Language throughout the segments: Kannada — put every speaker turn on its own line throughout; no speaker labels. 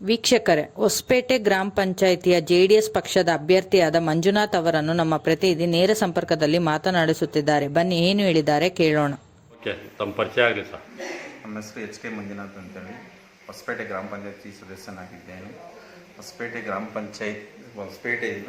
ವೀಕ್ಷಕರೇ, ಹೊಸಪೇಟೆ ಗ್ರಾಮ ಪಂಚಾಯಿತಿಯ ಜೆಡಿಎಸ್ ಪಕ್ಷದ ಅಭ್ಯರ್ಥಿಯಾದ ಮಂಜುನಾಥ್ ಅವರನ್ನು ನಮ್ಮ ಪ್ರತಿನಿಧಿ ನೇರ ಸಂಪರ್ಕದಲ್ಲಿ ಮಾತನಾಡಿಸುತ್ತಿದ್ದಾರೆ. ಬನ್ನಿ, ಏನು ಹೇಳಿದ್ದಾರೆ ಕೇಳೋಣ.
ಓಕೆ, ತಮ್ಮ ಪರಿಚಯ ಆಗಲಿ ಸರ್.
ನಮ್ಮ ಹೆಸರು ಎಚ್ ಕೆ ಮಂಜುನಾಥ್ ಅಂತೇಳಿ ಹೊಸಪೇಟೆ ಗ್ರಾಮ ಪಂಚಾಯತಿ ಸದಸ್ಯನಾಗಿದ್ದೇನೆ. ಹೊಸಪೇಟೆ ಗ್ರಾಮ ಪಂಚಾಯತ್ ಹೊಸಪೇಟೆಯಿಂದ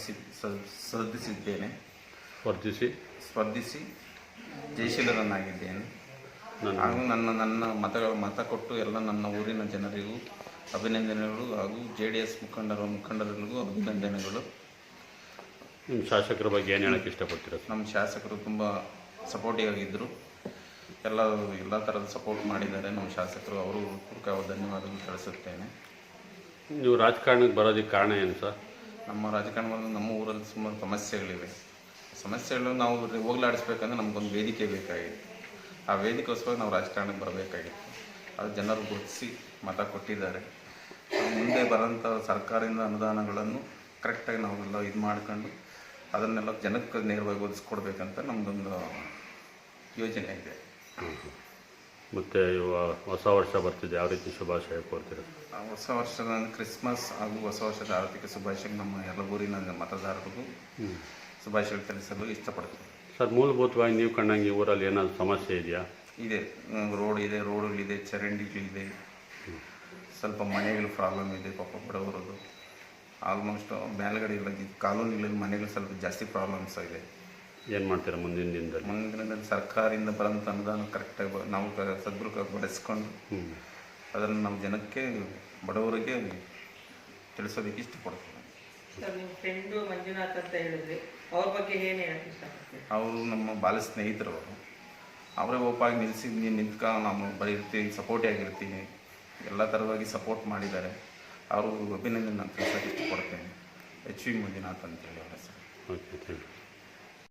ಸ್ಪರ್ಧಿಸಿ ಜಯಶೀಲರನ್ನಾಗಿದ್ದೇನೆ. ಹಾಗೂ ನನ್ನ ಮತ ಕೊಟ್ಟು ಎಲ್ಲ ನನ್ನ ಊರಿನ ಜನರಿಗೂ ಅಭಿನಂದನೆಗಳು ಹಾಗೂ JDS ಮುಖಂಡರಿಗೂ ಅಭಿನಂದನೆಗಳು.
ನಿಮ್ಮ ಶಾಸಕರ ಬಗ್ಗೆ ಏನು ಹೇಳಕ್ಕೆ ಇಷ್ಟಪಡ್ತೀರಾ?
ನಮ್ಮ ಶಾಸಕರು ತುಂಬ ಸಪೋರ್ಟಿವ್ ಆಗಿದ್ದರು. ಎಲ್ಲ ಥರದ ಸಪೋರ್ಟ್ ಮಾಡಿದ್ದಾರೆ ನಮ್ಮ ಶಾಸಕರು. ಅವರು ಪೂರ್ವಕ ಧನ್ಯವಾದಗಳು ತಿಳಿಸುತ್ತೇನೆ.
ನೀವು ರಾಜಕಾರಣಕ್ಕೆ ಬರೋದಕ್ಕೆ ಕಾರಣ ಏನು ಸರ್?
ನಮ್ಮ ರಾಜಕಾರಣದಲ್ಲಿ ನಮ್ಮ ಊರಲ್ಲಿ ಸುಮಾರು ಸಮಸ್ಯೆಗಳು ನಾವು ಹೋಗಲಾಡಿಸ್ಬೇಕಂದ್ರೆ ನಮಗೊಂದು ವೇದಿಕೆ ಬೇಕಾಗಿತ್ತು. ಆ ವೇದಿಕೆಗೋಸ್ಕರ ನಾವು ರಾಜಕಾರಣಕ್ಕೆ ಬರಬೇಕಾಗಿತ್ತು. ಅದು ಜನರು ಗುರುತಿಸಿ ಮತ ಕೊಟ್ಟಿದ್ದಾರೆ. ಮುಂದೆ ಬರೋಂಥ ಸರ್ಕಾರದಿಂದ ಅನುದಾನಗಳನ್ನು ಕರೆಕ್ಟಾಗಿ ನಾವೆಲ್ಲ ಇದು ಮಾಡ್ಕೊಂಡು ಅದನ್ನೆಲ್ಲ ಜನಕ್ಕೆ ನೇರವಾಗಿ ಒದಗಿಸ್ಕೊಡ್ಬೇಕಂತ ನಮ್ಮದೊಂದು ಯೋಜನೆ ಇದೆ.
ಮತ್ತು ಹೊಸ ವರ್ಷ ಬರ್ತಿದೆ, ಯಾವ ರೀತಿ ಶುಭಾಶಯ ಕೋರ್ತೀರ?
ಹೊಸ ವರ್ಷದ ಕ್ರಿಸ್ಮಸ್ ಹಾಗೂ ಹೊಸ ವರ್ಷದ ಆರ್ಥಿಕ ಶುಭಾಶಯ ನಮ್ಮ ಎಲ್ಲ ಊರಿನ ಮತದಾರರಿಗೂ ಶುಭಾಶಯಗಳು ತಿಳಿಸಲು ಇಷ್ಟಪಡ್ತೀನಿ.
ಸರ್, ಮೂಲಭೂತವಾಗಿ ನೀವು ಕಂಡಂಗೆ ಊರಲ್ಲಿ ಏನಾದರೂ ಸಮಸ್ಯೆ ಇದೆಯಾ?
ಇದೆ, ರೋಡುಗಳಿದೆ, ಚರಂಡಿಗಳಿದೆ, ಸ್ವಲ್ಪ ಮನೆಗಳು ಪ್ರಾಬ್ಲಮ್ ಇದೆ. ಪಾಪ ಬಡವರದು ಆಲ್ಮೋಸ್ಟ್ ಮೇಲ್ಗಡೆ ಇಲ್ಲ, ಕಾಲೋನಿಗಳಲ್ಲಿ ಮನೆಗಳು ಸ್ವಲ್ಪ ಜಾಸ್ತಿ ಪ್ರಾಬ್ಲಮ್ಸ್ ಇದೆ.
ಏನು ಮಾಡ್ತೀರಾ ಮುಂದಿನ ದಿನದಲ್ಲಿ?
ಸರ್ಕಾರದಿಂದ ಬರೋಂಥ ಅನುದಾನ ಕರೆಕ್ಟಾಗಿ ನಾವು ಸದ್ಬಳಸ್ಕೊಂಡು ಅದನ್ನು ನಮ್ಮ ಜನಕ್ಕೆ ಬಡವರಿಗೆ ತಿಳಿಸೋದಕ್ಕೆ ಇಷ್ಟಪಡ್ತೀನಿ.
ನಿಮ್ಮ ಫ್ರೆಂಡು ಮಂಜುನಾಥ್ ಅಂತ ಹೇಳಿದ್ರಿ, ಅವ್ರ ಬಗ್ಗೆ ಏನು ಹೇಳಕ್ಕೆ ಇಷ್ಟಪಡ್ತೀನಿ?
ಅವರು ನಮ್ಮ ಬಾಲ್ಯ ಸ್ನೇಹಿತರು. ಅವರೇ ಒಪ್ಪಾಗಿ ನಾವು ಬರೀರ್ತೀವಿ, ಸಪೋರ್ಟಿವ್ ಆಗಿರ್ತೀನಿ. ಎಲ್ಲ ಥರವಾಗಿ ಸಪೋರ್ಟ್ ಮಾಡಿದ್ದಾರೆ. ಅವರು ಅಭಿನಂದನೆ ನಾನು ತಿಳಿಸೋಕೆ ಇಷ್ಟಪಡ್ತೇನೆ. HV ಮಂಜುನಾಥ್ ಅಂತೇಳಿ ಅವರ ಹೆಸರು.
Okay, thank you.